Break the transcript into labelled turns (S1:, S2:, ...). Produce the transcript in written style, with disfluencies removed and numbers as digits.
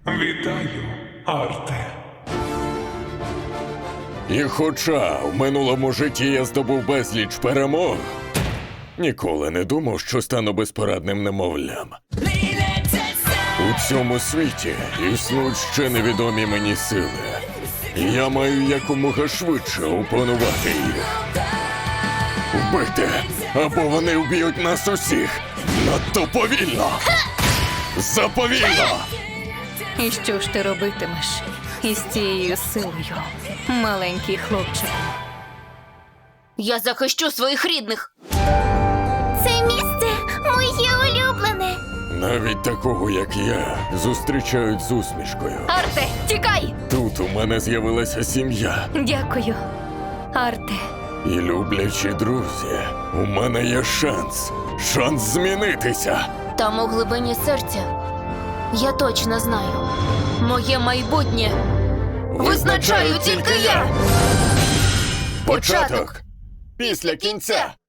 S1: Вітаю, Арте.
S2: І хоча в минулому житті я здобув безліч перемог, ніколи не думав, що стану безпорадним немовлям. У цьому світі існують ще невідомі мені сили. І я маю якомога швидше опанувати їх. Вбити, або вони вб'ють нас усіх. Надто повільно! Заповільно!
S3: І що ж ти робитимеш із цією силою, маленький хлопчик?
S4: Я захищу своїх рідних.
S5: Це місце моє улюблене.
S2: Навіть такого, як я, зустрічають з усмішкою.
S4: Арте, тікай!
S2: Тут у мене з'явилася сім'я.
S3: Дякую, Арте.
S2: І люблячі друзі, у мене є шанс. Шанс змінитися.
S4: Там у глибині серця я точно знаю. Моє майбутнє визначаю тільки я.
S2: Початок після кінця.